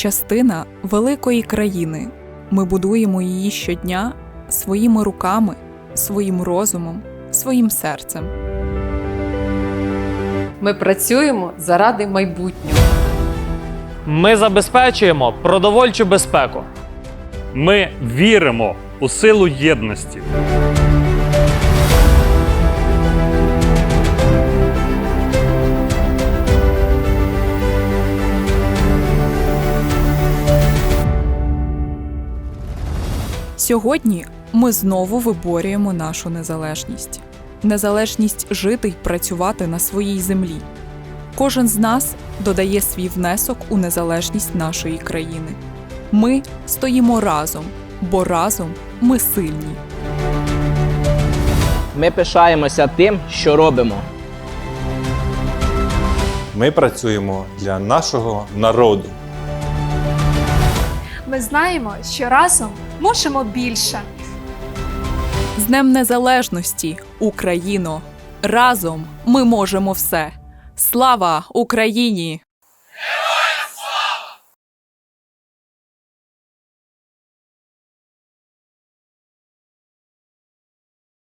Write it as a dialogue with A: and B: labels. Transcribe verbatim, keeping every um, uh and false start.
A: частина великої країни. Ми будуємо її щодня своїми руками, своїм розумом, своїм серцем.
B: Ми працюємо заради майбутнього.
C: Ми забезпечуємо продовольчу безпеку.
D: Ми віримо у силу єдності.
A: Сьогодні ми знову виборюємо нашу незалежність. Незалежність жити й працювати на своїй землі. Кожен з нас додає свій внесок у незалежність нашої країни. Ми стоїмо разом, бо разом ми сильні.
E: Ми пишаємося тим, що робимо.
F: Ми працюємо для нашого народу.
G: Ми знаємо, що разом можемо більше.
A: З Днем Незалежності, Україно! Разом ми можемо все! Слава Україні!